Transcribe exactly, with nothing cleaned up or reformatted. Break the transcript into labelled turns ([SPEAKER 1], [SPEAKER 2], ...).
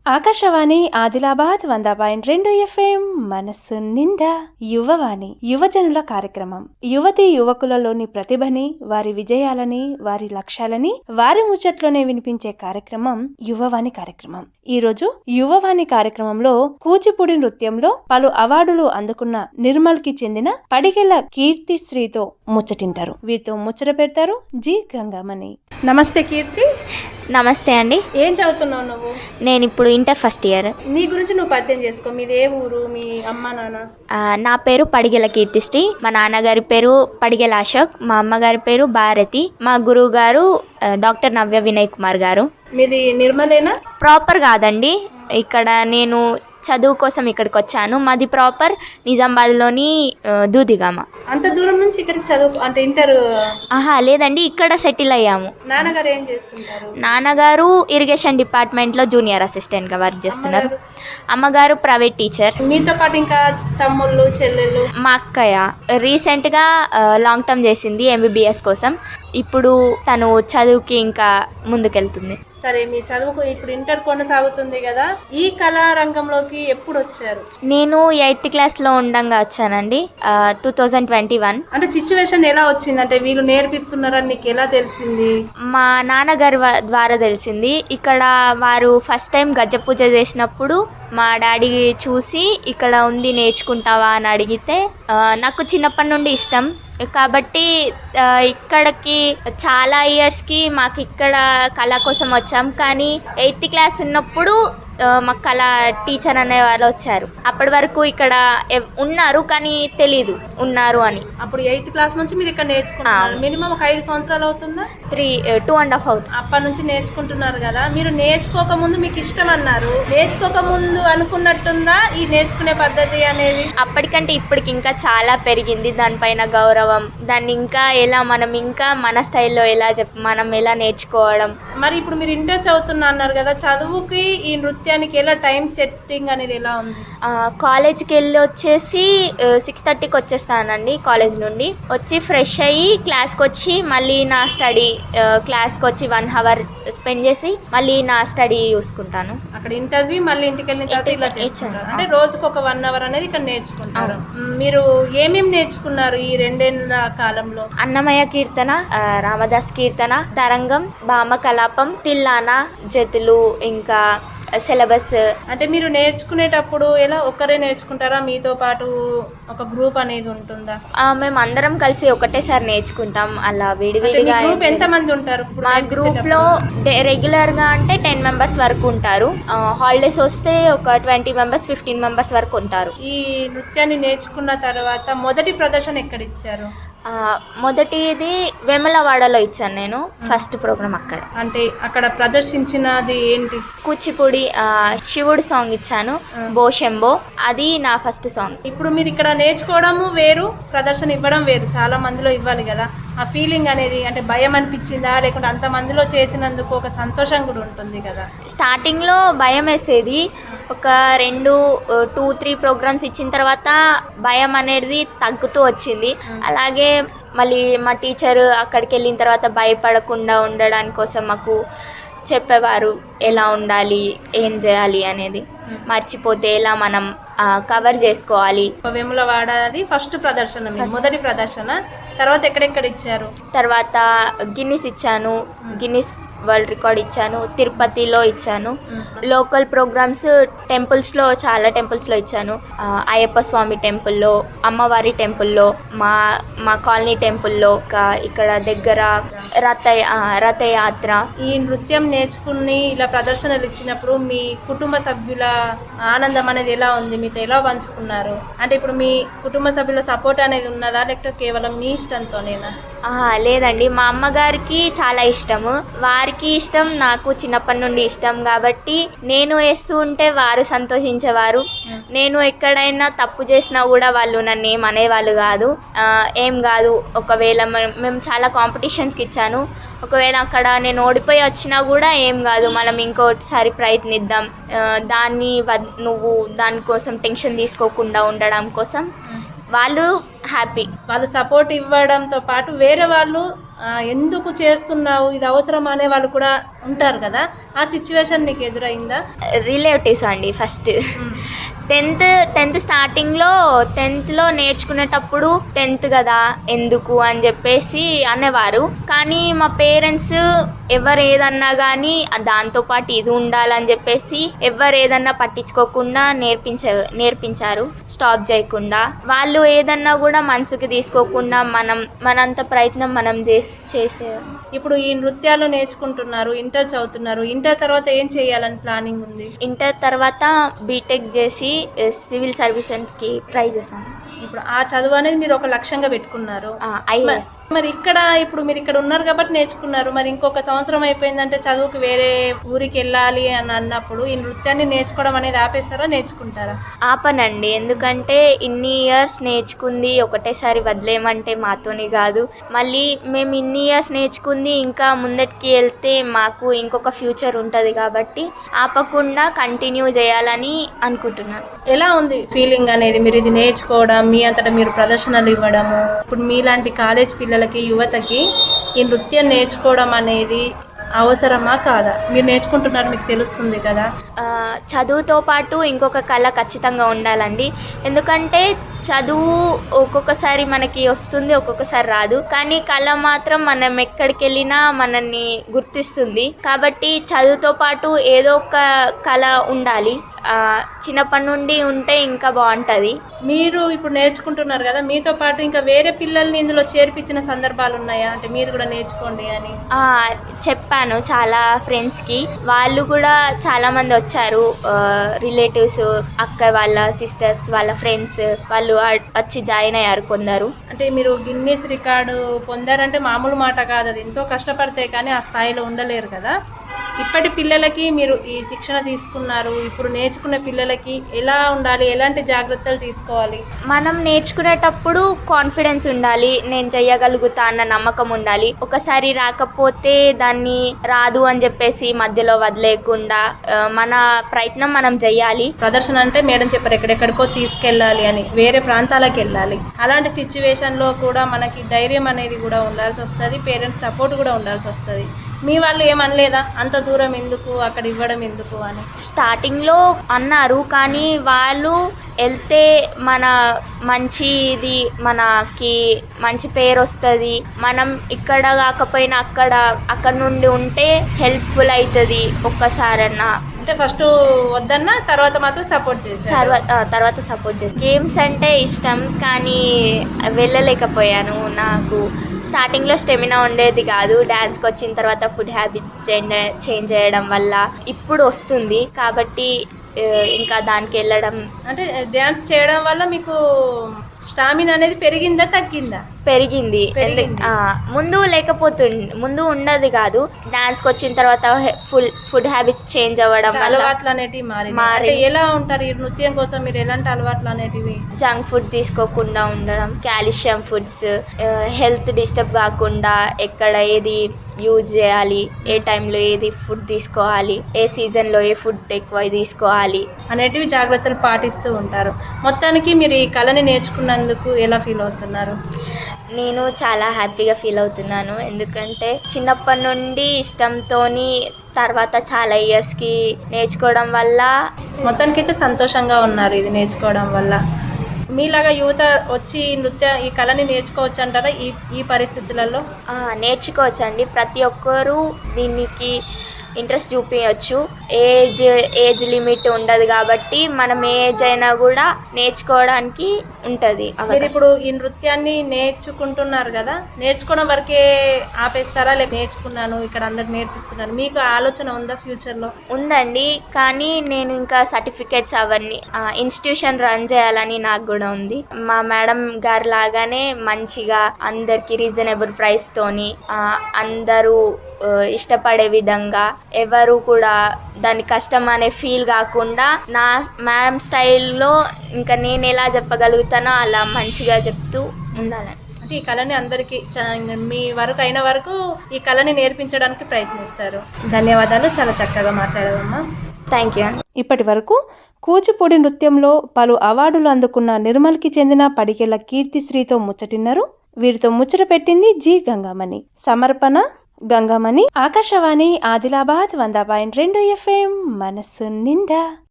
[SPEAKER 1] ఆకాశవాణి ఆదిలాబాద్ వంద పాయింట్ రెండు ఎఫ్ఎం మనస్సు నిండా యువవాణి యువజనుల కార్యక్రమం. యువతి యువకులలోని ప్రతిభని, వారి విజయాలని, వారి లక్ష్యాలని వారి ముచ్చట్లోనే వినిపించే కార్యక్రమం యువవాణి కార్యక్రమం. ఈ రోజు యువవాణి కార్యక్రమంలో కూచిపూడి నృత్యంలో పలు అవార్డులు అందుకున్న నిర్మల్ కి చెందిన పడిగెల కీర్తి శ్రీతో ముచ్చటింటారు. వీరితో ముచ్చట పెడతారు జి గంగామణి. నమస్తే కీర్తి.
[SPEAKER 2] నమస్తే అండి.
[SPEAKER 1] ఏం చదువుతున్నావు నువ్వు?
[SPEAKER 2] నేను ఇప్పుడు ఇంటర్ ఫస్ట్ ఇయర్.
[SPEAKER 1] నీ గురించి నువ్వు పరిచయం చేసుకో. మీది ఏ ఊరు, మీ అమ్మ నాన్న?
[SPEAKER 2] నా పేరు పడిగెల కీర్తిశ్రీ. మా నాన్నగారి పేరు పడిగెల అశోక్, మా అమ్మగారి పేరు భారతి, మా గురువు గారు డాక్టర్ నవ్య వినయ్ కుమార్ గారు.
[SPEAKER 1] మీది నిర్మలేనా?
[SPEAKER 2] ప్రాపర్ కాదండి, ఇక్కడ నేను చదువు కోసం ఇక్కడికి వచ్చాను. మాది ప్రాపర్ నిజామాబాద్లోని దూదిగామ.
[SPEAKER 1] అంత దూరం నుంచి ఇక్కడికి చదువు అంటే ఇంటర్?
[SPEAKER 2] ఆహా లేదండి, ఇక్కడ సెటిల్ అయ్యాము.
[SPEAKER 1] నాన్నగారు ఏం చేస్తుంటారు?
[SPEAKER 2] నాన్నగారు ఇరిగేషన్ డిపార్ట్మెంట్లో జూనియర్ అసిస్టెంట్గా వర్క్ చేస్తున్నారు. అమ్మగారు ప్రైవేట్ టీచర్.
[SPEAKER 1] మీతో పాటు ఇంకా తమ్ముళ్ళు చెల్లెళ్ళు?
[SPEAKER 2] మా అక్కయ్య రీసెంట్గా లాంగ్ టర్మ్ చేసింది ఎంబీబీఎస్ కోసం. ఇప్పుడు తను చదువుకి ఇంకా ముందుకెళ్తుంది.
[SPEAKER 1] సరే, మీ చదువుకు ఇప్పుడు ఇంటర్ కొనసాగుతుంది కదా, ఈ కళారంగంలోకి ఎప్పుడు వచ్చారు?
[SPEAKER 2] నేను ఎయిత్ క్లాస్లో ఉండంగా వచ్చానండి, టూ థౌజండ్ ట్వంటీ వన్.
[SPEAKER 1] అంటే సిచ్యువేషన్ ఎలా వచ్చింది? అంటే వీళ్ళు నేర్పిస్తున్నారని నీకు ఎలా తెలిసింది?
[SPEAKER 2] మా నాన్నగారి ద్వారా తెలిసింది. ఇక్కడ వారు ఫస్ట్ టైం గజ్జ పూజ చేసినప్పుడు మా డాడీ చూసి ఇక్కడ ఉంది నేర్చుకుంటావా అని అడిగితే, నాకు చిన్నప్పటి నుండి ఇష్టం కాబట్టి ఇక్కడికి చాలా ఇయర్స్కి మాకు ఇక్కడ కళ కోసం వచ్చాం. కానీ ఎయిత్ క్లాస్ ఉన్నప్పుడు మాకు కళ టీచర్ అనే వాళ్ళు వచ్చారు. అప్పటి వరకు ఇక్కడ ఉన్నారు కానీ తెలీదు ఉన్నారు అని.
[SPEAKER 1] అప్పుడు ఎయిత్ క్లాస్ నుంచి మీరు ఇక్కడ నేర్చుకుంటున్నారు. మినిమం ఒక ఐదు సంవత్సరాలు అవుతుందా?
[SPEAKER 2] త్రీ టూ అండ్ హాఫ్ అవుతుంది.
[SPEAKER 1] అప్పటి నుంచి నేర్చుకుంటున్నారు కదా. మీరు నేర్చుకోక ముందు మీకు ఇష్టం అన్నారు, నేర్చుకోక ముందు అనుకున్నట్టుందా ఈ నేర్చుకునే పద్ధతి అనేది?
[SPEAKER 2] అప్పటికంటే ఇప్పటికి ఇంకా చాలా పెరిగింది దానిపైన గౌరవం. దాన్ని ఇంకా ఎలా మనం ఇంకా మన స్టైల్లో ఎలా చెప్ మనం ఎలా నేర్చుకోవడం.
[SPEAKER 1] మరి ఇప్పుడు మీరు ఇంటర్ చదువుతున్నా అన్నారు కదా, చదువుకి ఈ నృత్యానికి ఎలా టైం సెట్టింగ్ అనేది ఎలా ఉంది?
[SPEAKER 2] కాలేజ్కి వెళ్ళి వచ్చేసి సిక్స్ థర్టీకి వచ్చేస్తానండి. కాలేజ్ నుండి వచ్చి ఫ్రెష్ అయ్యి క్లాస్కి వచ్చి మళ్ళీ నా స్టడీ క్లాస్కి వచ్చి వన్ అవర్ స్పెండ్ చేసి మళ్ళీ నా స్టడీ చూసుకుంటాను.
[SPEAKER 1] అక్కడ ఇంటర్వ్యూ మళ్ళీ ఇంటికి వెళ్ళిన తర్వాత ఇలా చేస్తారు. అంటే రోజుకు ఒక వన్ అవర్ అనేది ఇక్కడ నేర్చుకుంటారు. మీరు ఏమేమి నేర్చుకున్నారు ఈ రెండేళ్ల కాలంలో?
[SPEAKER 2] అన్నమయ్య కీర్తన, రామదాస్ కీర్తన, తరంగం, భామ కలాపం, తిల్లానా, జతులు, ఇంకా సిలబస్.
[SPEAKER 1] అంటే మీరు నేర్చుకునేటప్పుడు ఎలా ఒక్కరే నేర్చుకుంటారా, మీతో పాటు ఒక గ్రూప్ అనేది ఉంటుందా?
[SPEAKER 2] మేము అందరం కలిసి ఒకటేసారి నేర్చుకుంటాం. అలా విడివిడిగా.
[SPEAKER 1] ఎంత మంది ఉంటారు
[SPEAKER 2] మా గ్రూప్ లో? రెగ్యులర్ గా అంటే టెన్ మెంబర్స్ వరకు ఉంటారు. హాలిడేస్ వస్తే ఒక ట్వంటీ మెంబర్స్ ఫిఫ్టీన్ మెంబర్స్ వరకు ఉంటారు.
[SPEAKER 1] ఈ నృత్యాన్ని నేర్చుకున్న తర్వాత మొదటి ప్రదర్శన ఎక్కడ ఇచ్చారు?
[SPEAKER 2] మొదటిది వేములవాడలో ఇచ్చాను నేను, ఫస్ట్ ప్రోగ్రామ్ అక్కడ.
[SPEAKER 1] అంటే అక్కడ ప్రదర్శించినది ఏంటి?
[SPEAKER 2] కూచిపూడి శివుడు సాంగ్ ఇచ్చాను, బోషెంబో. అది నా ఫస్ట్ సాంగ్.
[SPEAKER 1] ఇప్పుడు మీరు ఇక్కడ నేర్చుకోవడము వేరు, ప్రదర్శన ఇవ్వడం వేరు. చాలా మందిలో ఇవ్వాలి కదా, ఆ ఫీలింగ్ అనేది. అంటే భయం అనిపించిందా, లేకుంటే అంత మందిలో చేసినందుకు ఒక సంతోషం కూడా ఉంటుంది కదా?
[SPEAKER 2] స్టార్టింగ్లో భయం వేసేది. ఒక రెండు టూ త్రీ ప్రోగ్రామ్స్ ఇచ్చిన తర్వాత భయం అనేది తగ్గుతూ వచ్చింది. అలాగే మళ్ళీ మా టీచర్ అక్కడికి వెళ్ళిన తర్వాత భయపడకుండా ఉండడానికి కోసం మాకు చెప్పేవారు ఎలా ఉండాలి, ఏం చేయాలి అనేది. మర్చిపోతే ఎలా మనం కవర్ చేసుకోవాలి.
[SPEAKER 1] వేములవాడది ఫస్ట్ ప్రదర్శన, మొదటి ప్రదర్శన. తర్వాత ఎక్కడెక్కడ ఇచ్చారు?
[SPEAKER 2] తర్వాత గిన్నిస్ ఇచ్చాను, గిన్నిస్ వరల్డ్ రికార్డ్ ఇచ్చాను, తిరుపతిలో ఇచ్చాను. లోకల్ ప్రోగ్రామ్స్ టెంపుల్స్లో చాలా టెంపుల్స్లో ఇచ్చాను. అయ్యప్ప స్వామి టెంపుల్లో, అమ్మవారి టెంపుల్లో, మా మా కాలనీ టెంపుల్లో, ఇక్కడ దగ్గర రథ రథయాత్ర.
[SPEAKER 1] ఈ నృత్యం నేర్చుకుని ఇలా ప్రదర్శనలు ఇచ్చినప్పుడు మీ కుటుంబ సభ్యుల ఆనందం అనేది ఎలా ఉంది? మీతో ఎలా పంచుకున్నారు? అంటే ఇప్పుడు మీ కుటుంబ సభ్యుల సపోర్ట్ అనేది ఉన్నదా, లేకపోతే కేవలం మీ ఇష్టంతోనేనా?
[SPEAKER 2] లేదండి, మా అమ్మగారికి చాలా ఇష్టము, వారికి ఇష్టం, నాకు చిన్నప్పటి నుండి ఇష్టం. కాబట్టి నేను వేస్తూ ఉంటే వారు సంతోషించేవారు. నేను ఎక్కడైనా తప్పు చేసినా కూడా వాళ్ళు నన్ను ఏం అనేవాళ్ళు కాదు. ఏం కాదు, ఒకవేళ మేము చాలా కాంపిటీషన్స్కి ఇచ్చాను, ఒకవేళ అక్కడ నేను ఓడిపోయి వచ్చినా కూడా ఏం కాదు, మనం ఇంకోసారి ప్రయత్నిద్దాం, దాన్ని నువ్వు దానికోసం టెన్షన్ తీసుకోకుండా ఉండడం కోసం వాళ్ళు హ్యాపీ.
[SPEAKER 1] వాళ్ళు సపోర్ట్ ఇవ్వడంతో పాటు వేరే వాళ్ళు ఆ, ఎందుకు చేస్తున్నావు ఇది అవసరం అనే వాళ్ళు కూడా ఉంటారు కదా, ఆ సిచ్యువేషన్ నీకు ఎదురైందా?
[SPEAKER 2] రిలేటివ్స్ అండి. ఫస్ట్ టెన్త్ టెన్త్ స్టార్టింగ్లో టెన్త్లో నేర్చుకునేటప్పుడు టెన్త్ కదా ఎందుకు అని చెప్పేసి అనేవారు. కానీ మా పేరెంట్స్ ఎవరు ఏదన్నా కానీ దాంతోపాటు ఇది ఉండాలని చెప్పేసి ఎవరు ఏదన్నా పట్టించుకోకుండా నేర్పించే నేర్పించారు స్టాప్ చేయకుండా. వాళ్ళు ఏదన్నా కూడా మనసుకి తీసుకోకుండా మనం మనంత ప్రయత్నం మనం చేసి చేసే
[SPEAKER 1] ఇప్పుడు ఈ నృత్యాలు నేర్చుకుంటున్నారు, ఇంటర్ చదువుతున్నారు. ఇంటర్ తర్వాత ఏం చేయాలని ప్లానింగ్ ఉంది?
[SPEAKER 2] ఇంటర్ తర్వాత బీటెక్ చేసి సివిల్ సర్వీసెస్కి ట్రై చేశాను.
[SPEAKER 1] ఇప్పుడు ఆ చదువు అనేది మీరు ఒక లక్ష్యంగా పెట్టుకున్నారు.
[SPEAKER 2] ఐఏఎస్.
[SPEAKER 1] మరి ఇక్కడ ఇప్పుడు మీరు ఇక్కడ ఉన్నారు కాబట్టి నేర్చుకున్నారు. మరి ఇంకొక సంవత్సరం అయిపోయిందంటే చదువుకి వేరే ఊరికి వెళ్ళాలి అని అన్నప్పుడు ఈ నృత్యాన్ని నేర్చుకోవడం అనేది ఆపేస్తారా, నేర్చుకుంటారా?
[SPEAKER 2] ఆపనండి. ఎందుకంటే ఇన్ని ఇయర్స్ నేర్చుకుంది ఒకటేసారి వదిలేయమంటే మాతోని కాదు. మళ్ళీ మేము ఇన్ని ఇయర్స్ నేర్చుకుంది ఇంకా ముందటికి వెళ్తే మాకు ఇంకొక ఫ్యూచర్ ఉంటుంది కాబట్టి ఆపకుండా కంటిన్యూ చేయాలని అనుకుంటున్నాను.
[SPEAKER 1] ఎలా ఉంది ఫీలింగ్ అనేది మీరు ఇది నేర్చుకోవడం, మీ అంతటా మీరు ప్రదర్శనలు ఇవ్వడము? ఇప్పుడు మీలాంటి కాలేజ్ పిల్లలకి, యువతకి ఈ నృత్యం నేర్చుకోవడం అనేది అవసరమా కాదా? మీరు నేర్చుకుంటున్నారు, మీకు తెలుస్తుంది కదా.
[SPEAKER 2] చదువుతో పాటు ఇంకొక కళ ఖచ్చితంగా ఉండాలండి. ఎందుకంటే చదువు ఒక్కొక్కసారి మనకి వస్తుంది, ఒక్కొక్కసారి రాదు. కానీ కళ మాత్రం మనం ఎక్కడికి వెళ్ళినా మనల్ని గుర్తిస్తుంది. కాబట్టి చదువుతో పాటు ఏదో ఒక కళ ఉండాలి. చిన్నప్పటి నుండి ఉంటే ఇంకా బాగుంటుంది.
[SPEAKER 1] మీరు ఇప్పుడు నేర్చుకుంటున్నారు కదా, మీతో పాటు ఇంకా వేరే పిల్లల్ని ఇందులో చేర్పించిన సందర్భాలు ఉన్నాయా? అంటే మీరు కూడా నేర్చుకోండి అని
[SPEAKER 2] చెప్పాను చాలా ఫ్రెండ్స్కి. వాళ్ళు కూడా చాలామంది వచ్చారు, రిలేటివ్స్, అక్క వాళ్ళ సిస్టర్స్ వాళ్ళ ఫ్రెండ్స్ వాళ్ళు వచ్చి జాయిన్ అయ్యారు కొందరు.
[SPEAKER 1] అంటే మీరు గిన్నీస్ రికార్డు పొందారంటే మామూలు మాట కాదు, అది ఎంతో కష్టపడితే కానీ ఆ స్థాయిలో ఉండలేరు కదా. ఇప్పటి పిల్లలకి మీరు ఈ శిక్షణ తీసుకున్నారు, ఇప్పుడు నేర్చుకున్న పిల్లలకి ఎలా ఉండాలి, ఎలాంటి జాగ్రత్తలు తీసుకోవాలి?
[SPEAKER 2] మనం నేర్చుకునేటప్పుడు కాన్ఫిడెన్స్ ఉండాలి, నేను చెయ్యగలుగుతా అన్న నమ్మకం ఉండాలి. ఒకసారి రాకపోతే దాన్ని రాదు అని చెప్పేసి మధ్యలో వదిలేయకుండా మన ప్రయత్నం మనం చెయ్యాలి.
[SPEAKER 1] ప్రదర్శన అంటే మేడం చెప్పారు ఎక్కడెక్కడికో తీసుకెళ్ళాలి అని, వేరే ప్రాంతాలకు వెళ్ళాలి. అలాంటి సిచ్యువేషన్లో కూడా మనకి ధైర్యం అనేది కూడా ఉండాల్సి వస్తుంది, పేరెంట్స్ సపోర్ట్ కూడా ఉండాల్సి వస్తుంది. మీ వాళ్ళు ఏమనలేదా అంత దూరం ఎందుకు, అక్కడ ఇవ్వడం ఎందుకు అని?
[SPEAKER 2] స్టార్టింగ్లో అన్నారు, కానీ వాళ్ళు వెళ్తే మన మంచిది, మనకి మంచి పేరు వస్తుంది. మనం ఇక్కడ కాకపోయినా అక్కడ అక్కడ నుండి ఉంటే హెల్ప్ఫుల్ అవుతుంది ఒక్కసారన్నా.
[SPEAKER 1] అంటే ఫస్ట్ వద్దన్నా తర్వాత మాత్రం సపోర్ట్ చేస్తారు.
[SPEAKER 2] తర్వాత సపోర్ట్ చేస్తాను. గేమ్స్ అంటే ఇష్టం కానీ వెళ్ళలేకపోయాను. నాకు స్టార్టింగ్లో స్టెమినా ఉండేది కాదు. డ్యాన్స్కి వచ్చిన తర్వాత ఫుడ్ హ్యాబిట్స్ చేంజ్ చేంజ్ చేయడం వల్ల ఇప్పుడు వస్తుంది. కాబట్టి ఇంకా దానికి వెళ్ళడం.
[SPEAKER 1] అంటే డ్యాన్స్ చేయడం వల్ల మీకు స్టామినా అనేది పెరిగిందా తగ్గిందా?
[SPEAKER 2] పెరిగింది. ముందు లేకపోతుంది, ముందు ఉండదు కాదు. డాన్స్కి వచ్చిన తర్వాత ఫుల్ ఫుడ్ హ్యాబిట్స్ చేంజ్ అవ్వడం వల్ల
[SPEAKER 1] అలవాట్లు అనేటివి మారి. ఎలా ఉంటారు ఈ నృత్యం కోసం మీరు? ఎలాంటి అలవాట్లు అనేటివి?
[SPEAKER 2] జంక్ ఫుడ్ తీసుకోకుండా ఉండడం, కాల్షియం ఫుడ్స్, హెల్త్ డిస్టర్బ్ కాకుండా ఎక్కడ ఏది యూజ్ చేయాలి, ఏ టైంలో ఏది ఫుడ్ తీసుకోవాలి, ఏ సీజన్లో ఏ ఫుడ్ ఎక్కువ తీసుకోవాలి
[SPEAKER 1] అనేటివి జాగ్రత్తలు పాటిస్తూ ఉంటారు. మొత్తానికి మీరు ఈ కళని నేర్చుకున్నందుకు ఎలా ఫీల్ అవుతున్నారు?
[SPEAKER 2] నేను చాలా హ్యాపీగా ఫీల్ అవుతున్నాను. ఎందుకంటే చిన్నప్పటి నుండి ఇష్టంతోని తర్వాత చాలా ఇయర్స్కి నేర్చుకోవడం వల్ల
[SPEAKER 1] మొత్తానికైతే సంతోషంగా ఉన్నారు ఇది నేర్చుకోవడం వల్ల. మీలాగా యువత వచ్చి నృత్య ఈ కళని నేర్చుకోవచ్చు అంటారా ఈ ఈ పరిస్థితులలో?
[SPEAKER 2] నేర్చుకోవచ్చు అండి. ప్రతి ఒక్కరూ దీనికి ఇంట్రెస్ట్ చూపించవచ్చు. ఏజ్ ఏజ్ లిమిట్ ఉండదు కాబట్టి మనం ఏ ఏజ్ అయినా కూడా నేర్చుకోవడానికి ఉంటుంది.
[SPEAKER 1] మీరు ఇప్పుడు ఈ నృత్యాన్ని నేర్చుకుంటున్నారు కదా, నేర్చుకోవడం వరకే ఆపేస్తారా లేక నేర్చుకున్నాను ఇక్కడ అందరికి నేర్పిస్తున్నాను మీకు ఆలోచన ఉందా ఫ్యూచర్లో?
[SPEAKER 2] ఉందండి, కానీ నేను ఇంకా సర్టిఫికేట్స్ అవన్నీ ఇన్స్టిట్యూషన్ రన్ చేయాలని నాకు కూడా ఉంది. మా మేడం గారు లాగానే మంచిగా అందరికి రీజనబుల్ ప్రైస్తోని అందరూ ఇష్టపడే విధంగా, ఎవరు కూడా దాని కష్టం అనే ఫీల్ కాకుండా నా మ్యామ్ స్టైల్లో ఇంకా నేను ఎలా చెప్పగలుగుతానో అలా మంచిగా చెప్తూ ఉండాలని.
[SPEAKER 1] అంటే ఈ కళని అందరికీ మీ వరకు అయిన వరకు ఈ కళని నేర్పించడానికి ప్రయత్నిస్తారు. ధన్యవాదాలు, చాలా చక్కగా మాట్లాడావమ్మా.
[SPEAKER 2] Thank you.
[SPEAKER 1] ఇప్పటి వరకు కూచిపూడి నృత్యంలో పలు అవార్డులు అందుకున్న నిర్మల్కి చెందిన పడికెళ్ల కీర్తిశ్రీతో ముచ్చటిన్నారు. వీరితో ముచ్చట పెట్టింది జి గంగామణి. సమర్పణ గంగామణి. ఆకాశవాణి ఆదిలాబాద్ వంద పాయింట్ రెండు ఎఫ్ఎం మనసు నిండా.